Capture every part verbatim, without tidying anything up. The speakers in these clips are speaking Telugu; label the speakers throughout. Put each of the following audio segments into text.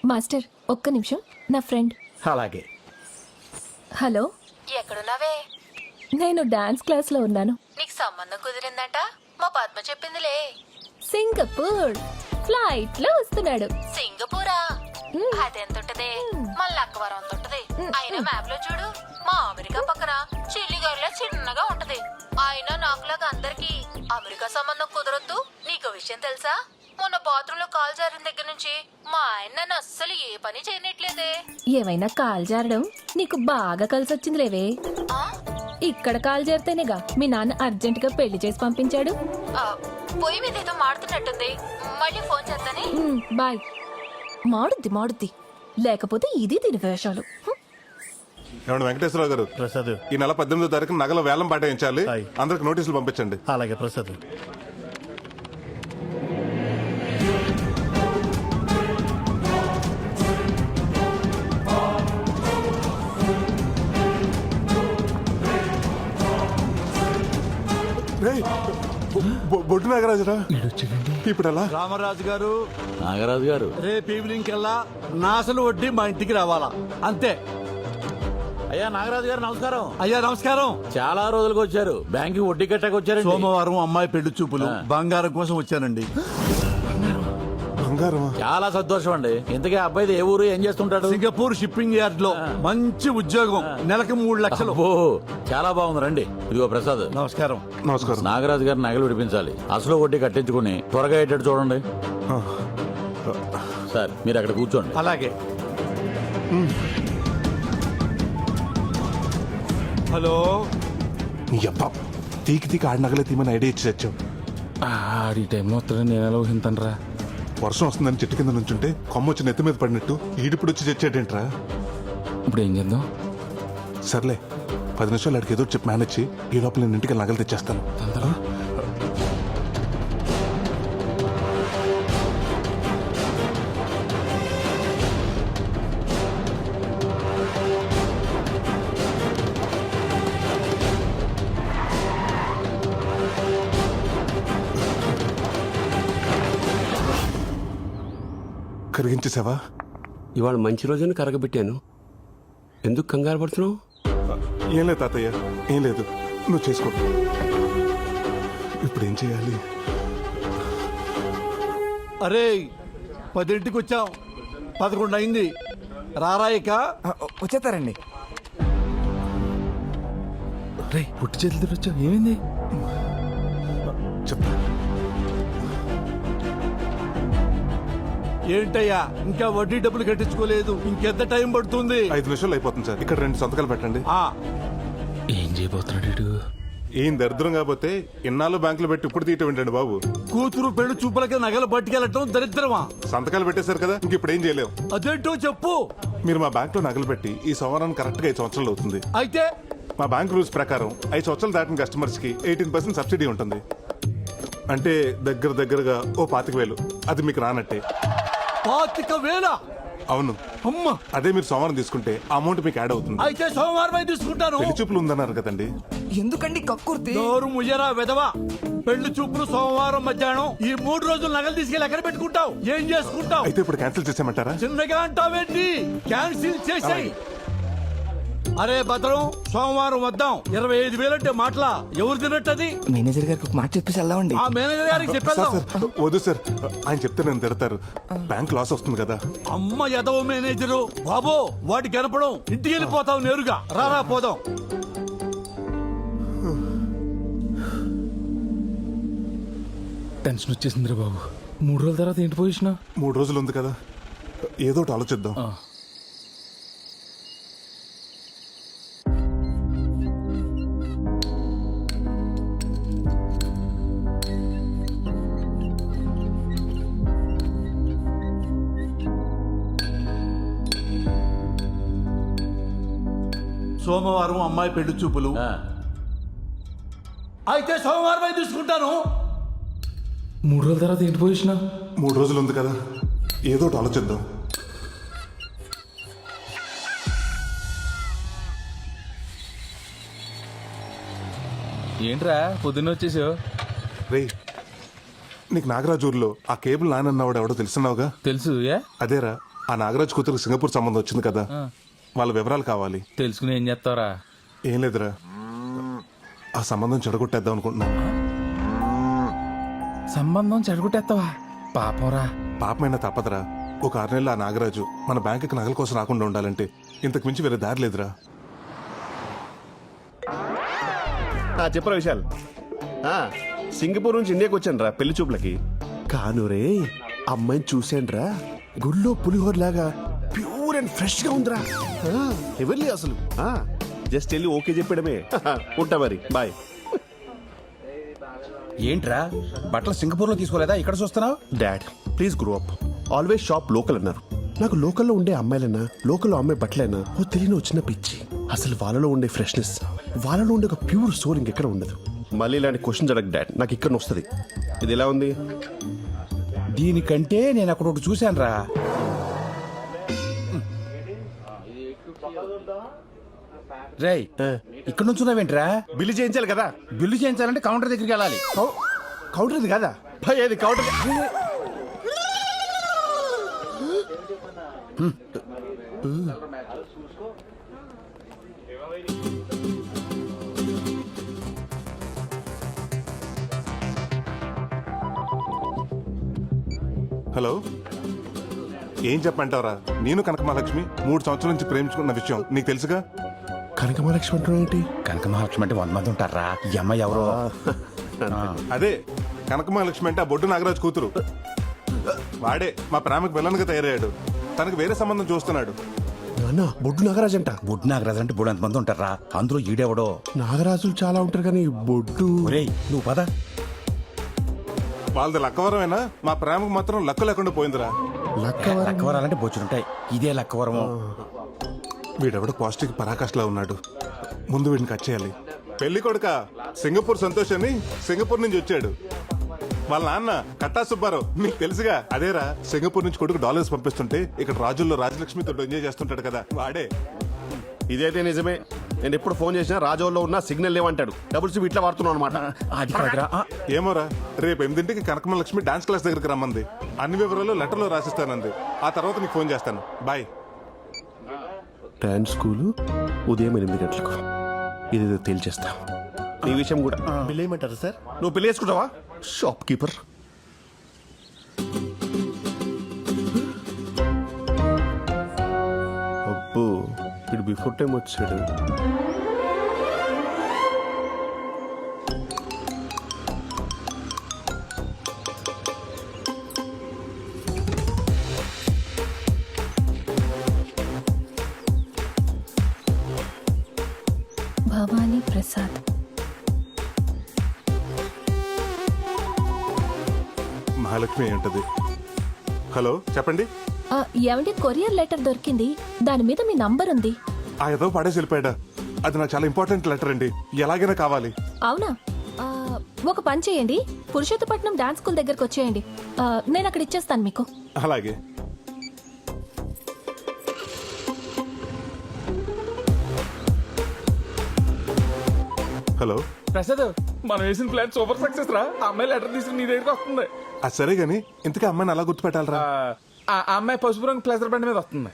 Speaker 1: మాస్టర్ ఒక్క నిమిషం, నా ఫ్రెండ్.
Speaker 2: అలాగే.
Speaker 1: హలో,
Speaker 3: ఎక్కడున్నావే?
Speaker 1: నేను డాన్స్ క్లాస్ లో ఉన్నాను.
Speaker 3: నీకు సంబంధం కుదిరిందంట, మా పద్మ చెప్పిందిలే.
Speaker 1: సింగపూర్ ఫ్లైట్ లో వస్తున్నాడు.
Speaker 3: సింగపూరా?
Speaker 1: మ్.
Speaker 3: అదెంత ఉంటది? మన లక్కవరం అంత ఉంటది. అయినా మ్యాప్ లో చూడు, మా అమెరికా పక్కన చిల్లిగారిలో చిన్నగా ఉంటది. అయినా నాకులాగా అందరికి అమెరికా సంబంధం కుదరొద్దు. నీకు విషయం తెలుసా? మొన్న బాత్రూమ్ లో కాల్ జారిన దగ్గర నుంచి మా ఆయన నన్ను అస్సలు ఏ పని చేయనట్లేదే.
Speaker 1: ఏమైనా కాల్ జారడం నీకు బాగా కలిసొచ్చింది లేవే.
Speaker 3: ఆ?
Speaker 1: ఇక్కడ కాల్ జారితేనేగా మీ నాన్న అర్జెంట్ గా పెళ్లి చేసి పంపించాడు.
Speaker 3: ఆ, పొయ్యి మీద ఏదో మాడుతున్నట్టుంది. మళ్ళీ ఫోన్ చేస్తానే.
Speaker 1: మ్, బాయ్. మాడుద్ది మాడుద్ది, లేకపోతే ఇది దీని వేషాలు. హ్మ్.
Speaker 4: ఏమండి వెంకటేశ్వరరావు గారు,
Speaker 2: ప్రసాద్.
Speaker 4: ఈ నెల పద్దెనిమిదో తారీఖు నగల వేలం పాటించాలి.
Speaker 2: హాయ్.
Speaker 4: అందరికి నోటీసులు పంపించండి.
Speaker 2: అలాగే ప్రసాద్.
Speaker 4: రేయ్, బొ- బొ- బొడ్డు నాగరాజురా, ఇప్పుడు ఎలా?
Speaker 5: రామరాజు గారు,
Speaker 6: నాగరాజు గారు,
Speaker 5: రేపు ఈవినింగ్ కల్లా నాసలు వడ్డీ మా ఇంటికి రావాలా, అంతే.
Speaker 6: అయ్యా నాగరాజు గారు నమస్కారం.
Speaker 5: అయ్యా నమస్కారం.
Speaker 6: చాలా రోజులకు వచ్చారు. బ్యాంక్ వడ్డీ కట్టాక వచ్చారండి.
Speaker 5: సోమవారం అమ్మాయి పెళ్లి చూపులు, బంగారం కోసం వచ్చానండి.
Speaker 4: బంగారమా?
Speaker 6: చాలా సంతోషం అండి. ఇంతకీ ఆ అబ్బాయిది ఏ ఊరు, ఏం చేస్తుంటాడు?
Speaker 5: సింగపూర్ షిప్పింగ్ యార్డ్ లో మంచి ఉద్యోగం, నెలకు మూడు లక్షలు.
Speaker 6: ఓ చాలా బాగుంది. రండి. ఇదిగో ప్రసాద్.
Speaker 5: నమస్కారం.
Speaker 4: నమస్కారం.
Speaker 6: నాగరాజు గారు నగలు విడిపించాలి. అసలు వడ్డీ కట్టించుకుని త్వరగా అయ్యేటట్టు చూడండి.
Speaker 4: ఆ,
Speaker 6: సార్ మీరు అక్కడ కూర్చోండి.
Speaker 5: అలాగే. హలో.
Speaker 4: నీ అబ్బా, తీకి తీకి ఆడి నగలే తీమని ఐడియా ఇచ్చి తెచ్చావు.
Speaker 7: ఆడి టైంలో వస్తాడని నేను ఎలా ఊహింతానరా?
Speaker 4: వర్షం వస్తుందని చెట్టు కింద నుంచుంటే కొమ్మ వచ్చి నెత్తి మీద పడినట్టు ఈడిప్పుడు వచ్చి తెచ్చాడేంట్రా?
Speaker 7: ఇప్పుడు ఏం చేద్దాం?
Speaker 4: సర్లే, పది నిమిషాలు అడిగి ఏదో చెప్పి మేనేజ్ చేయి. ఈ లోపల నేను ఇంటికి నగలు తెచ్చేస్తాను.
Speaker 7: తొందరగా.
Speaker 4: కరిగించేసావా?
Speaker 8: ఇవాళ మంచి రోజున కరగబెట్టాను. ఎందుకు కంగారు పడుతున్నావు?
Speaker 4: ఏం లేదు తాతయ్య, ఏం లేదు. నువ్వు చేసుకో. ఇప్పుడు ఏం చేయాలి?
Speaker 5: అరే, పదింటికి వచ్చాం, పదకొండు అయింది. రారాయిక
Speaker 9: వచ్చేస్తారండి.
Speaker 7: రే పుట్టి చేతులతో వచ్చావు, ఏమైంది?
Speaker 4: చెప్తా.
Speaker 5: ఏంటయ్యా, ఇంకా వడ్డీ డబ్బులు కట్టించుకోలేదు, ఇంకెంత టైం పడుతుంది?
Speaker 4: ఐదు నిమిషాలు అయిపోతుంది సార్. ఇక్కడ రెండు సంతకాలు పెట్టండి.
Speaker 5: ఆ
Speaker 7: ఏం చేయబోతున్నాడు వీడు?
Speaker 4: ఏం దరిద్రం కాకపోతే ఇన్నాళ్ళు బ్యాంకులో పెట్టి ఇప్పుడు తీయటం ఏంటండి బాబు?
Speaker 5: కూతురు పెళ్లి చూపులకి నగలు పట్టుకెళ్ళటం దరిద్రమా?
Speaker 4: సంతకాలు పెట్టేశారు కదా, ఇంక ఇప్పుడు ఏం చేయలేవు.
Speaker 5: అదేంటో చెప్పు.
Speaker 4: మీరు మా బ్యాంక్ లో నగలు పెట్టి ఈ సంవత్సరానికి కరెక్ట్ గా ఐదు సంవత్సరాలు అవుతుంది.
Speaker 5: అయితే
Speaker 4: మా బ్యాంక్ రూల్స్ ప్రకారం ఐదు సంవత్సరాలు దాటిన కస్టమర్స్ కి ఎయిటీన్ పర్సెంట్ సబ్సిడీ ఉంటుంది. అంటే దగ్గర దగ్గరగా ఓ పాతిక వేలు. అది మీకు రానట్టే.
Speaker 5: పాతిక వేల?
Speaker 4: అవును.
Speaker 5: అమ్మ,
Speaker 4: అదే మీరు సోమవారం తీసుకుంటే ఆ అమౌంట్ మీకు యాడ్ అవుతుంది.
Speaker 5: అయితే సోమవారం తీసుకుంటాను.
Speaker 4: పెళ్లి చూపులు ఉందన్నారు కదండి.
Speaker 9: ఎందుకండి కక్కుర్తి?
Speaker 5: నోరు ముయ్యరా వెదవా. పెళ్లి చూపులు సోమవారం మధ్యాహ్నం. ఈ మూడు రోజులు నగలు తీసుకెళ్ళి ఎక్కడ పెట్టుకుంటావు? ఏం చేసుకుంటావు?
Speaker 4: అయితే ఇప్పుడు క్యాన్సిల్ చేసామంటారా?
Speaker 5: చిన్నగా అంటావేంటి? క్యాన్సిల్ చేసాయి. అరే భద్రం, సోమవారం వద్దాం. ఇరవై ఐదు వేలు అంటే మాటలా? ఎవరు తినట్టది?
Speaker 9: మేనేజర్ గారికి ఒక మాట చెప్పేసి వెళ్దామండి.
Speaker 5: ఆ మేనేజర్ గారికి
Speaker 4: సార్
Speaker 5: చెప్పేద్దాం.
Speaker 4: సార్ వద్దు సార్, ఆయన చెప్తే నేను తిడతారు. బ్యాంక్ లాస్ వస్తుంది కదా.
Speaker 5: అమ్మ ఎదవ మేనేజరు బాబో, వాటి కనపడం. ఇంటికి వెళ్ళిపోతావు నేరుగా. రారా పోదాం.
Speaker 7: టెన్షన్ వచ్చేసిందిరా బాబు. మూడు రోజుల తర్వాత ఏంటి పొజిషన్?
Speaker 4: మూడు రోజులు ఉంది కదా, ఏదో ఒకటి ఆలోచిద్దాం.
Speaker 5: సోమవారం అమ్మాయి పెళ్లి చూపులు.
Speaker 6: ఆ,
Speaker 5: అయితే సోమవారం తీసుకుంటాను.
Speaker 7: మూడు రోజుల తర్వాత ఏంటి పొజిషన్?
Speaker 4: మూడు రోజులు ఉంది కదా, ఏదో ఒకటి ఆలోచిద్దాం.
Speaker 7: ఏంట్రా పొద్దున్న వచ్చేసావు?
Speaker 4: రే, నీకు నాగరాజూర్లో ఆ కేబుల్ నానన్నవాడు ఎవడో తెలుసున్నావుగా?
Speaker 7: తెలుసు. ఏ
Speaker 4: అదేరా, ఆ నాగరాజ్ కూతురు సింగపూర్ సంబంధం వచ్చింది కదా, వాళ్ళ వివరాలు కావాలి.
Speaker 7: తెలుసుకుని ఏం చేస్తావరా?
Speaker 4: ఏం లేదురా, ఆ సంబంధం చెడగొట్టేద్దాం అనుకుంటున్నాను.
Speaker 7: సంబంధం చెడగొట్టేస్తావా? పాపంరా.
Speaker 4: పాపమైనా తప్పదురా. ఒక ఆరు నెలలు ఆ నాగరాజు మన బ్యాంకుకి నగల కోసం రాకుండా ఉండాలంటే ఇంతకు మించి వేరే దారి లేదురా.
Speaker 2: చెప్పరా విశాల్. ఆ, సింగపూర్ నుంచి ఇండియాకి వచ్చాను రా పెళ్లి చూపులకి. కాను రే, అమ్మాయిని చూశాను రా, గుళ్ళో పులిహోర లాగా ప్యూర్ అండ్ ఫ్రెష్ గా ఉందిరా. ఎవరి అసలు జస్ట్ వెళ్ళి ఓకే చెప్పడమే. ఉంటా మరి, బాయ్.
Speaker 10: ఏంట్రా బట్టలు సింగపూర్ లో తీసుకోలేదా, ఇక్కడ చూస్తున్నావు?
Speaker 2: Dad please grow up. Always shop local అన్నారు. నాకు లోకల్లో ఉండే అమ్మాయిలైనా, లోకల్లో అమ్మాయి బట్టలైనా ఓ తెలియని వచ్చిన పిచ్చి. అసలు వాళ్ళలో ఉండే ఫ్రెష్నెస్, వాళ్ళలో ఉండే ఒక ప్యూర్ సోల్ ఇంకెక్కడ ఉండదు. మళ్ళీ ఇలాంటి క్వశ్చన్స్ అడగ డాడ్, నాకు ఇక్కడ వస్తుంది. ఇది ఎలా ఉంది?
Speaker 10: దీనికంటే నేను అక్కడ ఒకటి చూశాను రా. రేయ్, ఇక్కడ నుంచి ఉన్నావేంట్రా?
Speaker 2: బిల్లు చేయించాలి కదా.
Speaker 10: బిల్లు చేయించాలంటే కౌంటర్ దగ్గరికి వెళ్ళాలి.
Speaker 2: కౌంటర్ ఇది కదా భయ్, అది కౌంటర్.
Speaker 4: హలో, ఏం చెప్పంటావరా? నేను కనకమహాలక్ష్మి మూడు సంవత్సరాల నుంచి ప్రేమించుకున్న విషయం నీకు తెలుసుగా.
Speaker 2: కనకమహాలక్ష్మి అంటున్నా ఏంటి?
Speaker 10: కనక మహాలక్ష్మి అంటే వంద మంది ఉంటారా? ఈ అమ్మాయి ఎవరో.
Speaker 4: అదే కనకమహాలక్ష్మి అంటే ఆ బొడ్డు నాగరాజు కూతురు. వాడే మా ప్రేమకు విలన్గా తయారయ్యాడు. తనకు వేరే సంబంధం చూస్తున్నాడు.
Speaker 2: నాన్న, బొడ్డు నాగరాజు అంట.
Speaker 10: బుడ్ నాగరాజు అంటే బుడ్ మంది ఉంటారా? అందులో ఈడెవడో.
Speaker 2: నాగరాజులు చాలా ఉంటారు కానీ బొడ్డు.
Speaker 10: ఒరేయ్ నువ్వు పద.
Speaker 4: వాళ్ళది లక్కవరమైనా మా ప్రేమకు మాత్రం లక్క లేకుండా పోయిందిరా.
Speaker 10: లక్కవరాలంటే బొచ్చులుంటాయి, ఇదే లక్కవరము.
Speaker 4: వీడెవడో పాజిటివ్ పరాకాష్లా ఉన్నాడు. ముందు వీడిని కట్ చేయాలి. పెళ్లి కొడుక సింగపూర్ సంతోష్ అని సింగపూర్ నుంచి వచ్చాడు. వాళ్ళ నాన్న కట్టా సుబ్బారావు, మీకు తెలుసుగా. అదేరా, సింగపూర్ నుంచి కొడుకు డాలర్స్ పంపిస్తుంటే ఇక్కడ రాజుల్లో రాజలక్ష్మితో ఎంజాయ్ చేస్తుంటాడు కదా, వాడే.
Speaker 2: ఇదైతే నిజమే. నేను ఎప్పుడు ఫోన్ చేసినా రాజోల్లో ఉన్న సిగ్నల్ లేవంటాడు. డబుల్ సిమ్ ఇట్లా వాడుతున్నాను అనమాట.
Speaker 10: అది కాదురా. ఆ,
Speaker 4: ఏమోరా, రేపు ఎనిమిదింటికి కనకమలక్ష్మి డాన్స్ క్లాస్ దగ్గరికి రమ్మంది. అన్ని వివరాలు లెటర్లో రాసిస్తానంది. ఆ తర్వాత నీకు ఫోన్ చేస్తాను. బాయ్.
Speaker 2: డాన్స్ స్కూలు ఉదయం ఎనిమిది గంటలకు. ఇది తేల్చేస్తా. ఈ విషయం కూడా బిల్ ఏమంటారు సార్? నువ్వు బిల్ వేసుకుంటావా షాప్ కీపర్? అబ్బో, ఇటు బిఫోర్ టైం వచ్చాడు.
Speaker 1: భవానీ ప్రసాద్.
Speaker 4: మహాలక్ష్మి ఏంటది? హలో, చెప్పండి.
Speaker 1: ఆ, ఏమండి, కొరియర్ లెటర్ దొరికింది. దాని మీద మీ నంబర్ ఉంది.
Speaker 4: ఆ ఏదో పడేసి వెళ్ళిపోయాడా? అది నాకు చాలా ఇంపార్టెంట్ లెటర్ అండి, ఎలాగైనా కావాలి.
Speaker 1: అవునా? ఆ, ఒక పని చేయండి, పురుషోత్తపట్నం డాన్స్ స్కూల్ దగ్గరకు వచ్చేయండి. ఆ, నేను అక్కడ ఇచ్చేస్తాను మీకు.
Speaker 4: అలాగే. హలో
Speaker 7: ప్రసాద్, మనం వేసిన ప్లాన్ సూపర్ సక్సెస్ రా. ఆ అమ్మాయి లెటర్ తీసుకుని నీ దగ్గరికి వస్తుంది.
Speaker 4: అది సరే గాని ఇంతకీ అమ్మాయిని అలా గుర్తుపెట్టాలరా?
Speaker 7: ఆ ఆ అమ్మాయి పసుపు రంగు ప్లేసర్ బండి మీద వస్తుంది.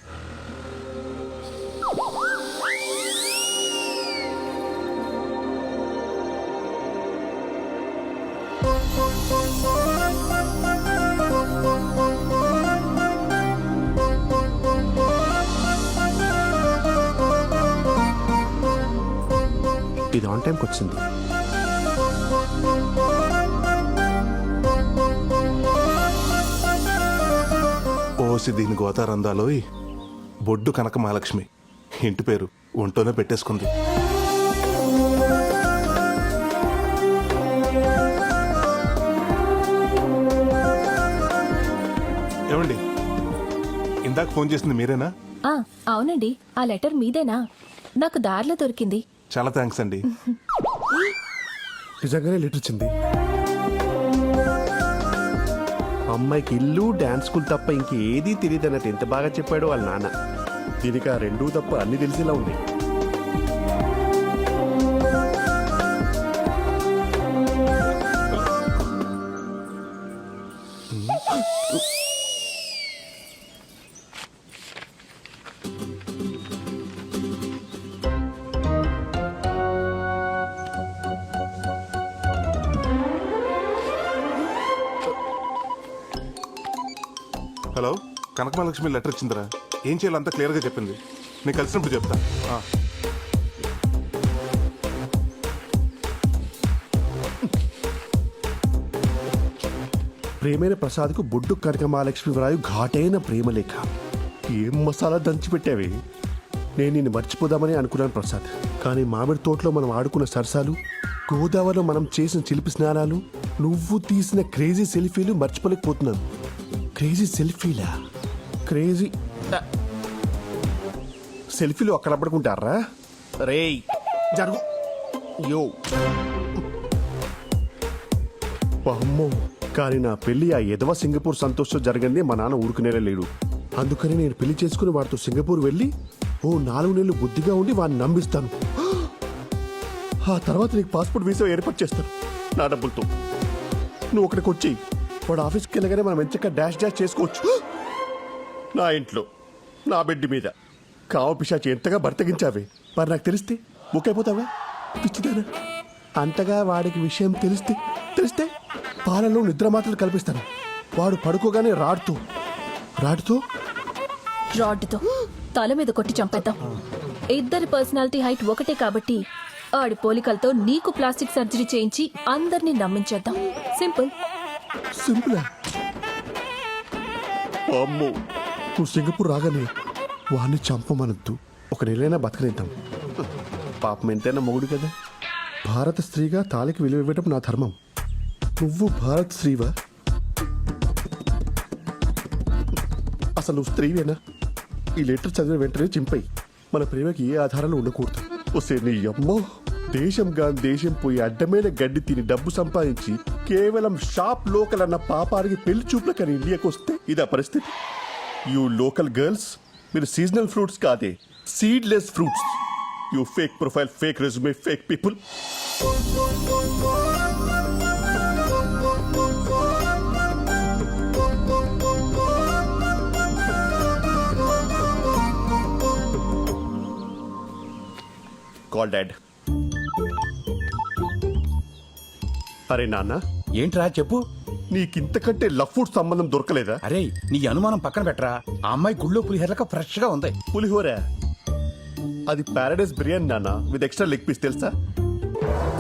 Speaker 2: ఇది ఆన్ టైంకి వచ్చింది.
Speaker 4: ఓసి దీని గోతారందాలోయ్, బొడ్డు కనక మహాలక్ష్మి ఇంటి పేరు ఒంటోనే పెట్టేసుకుంది. ఏమండి, ఇందాక ఫోన్ చేసింది మీరేనా?
Speaker 1: ఆ, అవునండి. ఆ లెటర్ మీదేనా? నాకు దారిలో దొరికింది.
Speaker 4: చాలా థ్యాంక్స్ అండి.
Speaker 2: నిజంగానే లెటర్ వచ్చింది. అమ్మాయికి ఇల్లు డాన్స్ స్కూల్ తప్ప ఇంకేదీ తెలియదు అన్నట్టు ఎంత బాగా చెప్పాడు వాళ్ళ నాన్న. దీనికి ఆ రెండూ తప్ప అన్ని తెలిసేలా ఉంది.
Speaker 4: కనకమహాలక్ష్మి లెటర్ ఇచ్చిందిరా. ఏం చేయాలో అంతా క్లియర్గా చెప్పింది. నేను కలిసినప్పుడు చెప్తా. ఆ.
Speaker 2: ప్రేమైన ప్రసాద్కు బొడ్డు కనకమహాలక్ష్మి వ్రాయు ఘాటైన ప్రేమలేఖ. ఏం మసాలా దంచిపెట్టావే. నేను నిన్ను మర్చిపోదామని అనుకున్నాను ప్రసాద్, కానీ మామిడి తోటలో మనం ఆడుకున్న సరసాలు, గోదావరిలో మనం చేసిన చిలిపి స్నానాలు, నువ్వు తీసిన క్రేజీ సెల్ఫీలు మర్చిపోలేకపోతున్నాను. క్రేజీ సెల్ఫీలా? క్రేజీ సెల్ఫీలు అక్కడ పడుకుంటారా? రేయ్ జరుగు. యో అమ్మో, కానీ నా పెళ్లి ఆ ఎదవ సింగపూర్ సంతోషం జరిగింది మా నాన్న ఊరుకునేలా లేడు. అందుకని నేను పెళ్లి చేసుకుని వాడితో సింగపూర్ వెళ్ళి ఓ నాలుగు నెలలు బుద్ధిగా ఉండి వాడిని నమ్మిస్తాను. ఆ తర్వాత నీకు పాస్పోర్ట్ వీసా ఏర్పాటు చేస్తాను నా డబ్బులతో. నువ్వు అక్కడికి వచ్చి వాడు ఆఫీస్కి వెళ్ళగానే మనం ఎంచక్క డాష్ డాష్ చేసుకోవచ్చు. నా ఇంట్లో నా బెడ్ మీద కావ పిశాచి ఎంతగా బర్తగించావే. మరి నాకు తెలిస్తే బుక్ అయిపోతావా? పిచ్చిదానా. అంతగా వాడికి విషయం తెలిస్తే తెలిస్తే పాలలో నిద్ర మాత్రలు కల్పిస్తాను. వాడు పడుకోగానే రాడుతూ రాడుతూ
Speaker 1: రాడ్డుతో తల మీద కొట్టి చంపేద్దాం. ఇద్దరి పర్సనాలిటీ హైట్ ఒకటే కాబట్టి ఆడి పోలికలతో నీకు ప్లాస్టిక్ సర్జరీ చేయించి అందరినీ నమ్మించేద్దాం. సింపుల్.
Speaker 2: సింపులా? అమ్మో, నువ్వు సింగపూర్ రాగానే వాడిని చంపమనద్దు. ఒక నెలైనా బతకనిద్దాం. పాపం ఎంతైనా మొగుడు కదా. భారత స్త్రీగా తాళికి విలువ ఇవ్వటం నా ధర్మం. నువ్వు భారత స్త్రీవా? అసలు నువ్వు స్త్రీవేనా? ఈ లెటర్ చదివిన వెంటనే చింపై. మన ప్రేమకి ఏ ఆధారాలు ఉండకూడదు. వస్తే నీ అమ్మో, దేశం గాని దేశం పోయి అడ్డమైన గడ్డి తిని డబ్బు సంపాదించి కేవలం షాప్ లోకల్ అన్న పాపానికి పెళ్లి చూపుల కానీ ఇండియాకి వస్తే ఇదా పరిస్థితి. యూ లోకల్ గర్ల్స్, మీరు సీజనల్ ఫ్రూట్స్ కాదే, seedless fruits. You fake profile, fake resume, fake people. Call dad. అరే నాన్న,
Speaker 10: ఏంట్రా చెప్పు.
Speaker 2: నీకింతకంటే లవ్ ఫుడ్ సంబంధం దొరకలేదా?
Speaker 10: అరే నీ అనుమానం పక్కన పెట్టరా. ఆ అమ్మాయి గుళ్ళో పులిహేరలక ఫ్రెష్ గా ఉంది.
Speaker 2: పులిహోర? అది పారాడైస్ బిర్యానీ నాన్న, విత్ ఎక్స్ట్రా లెగ్ పీస్ తెలుసా?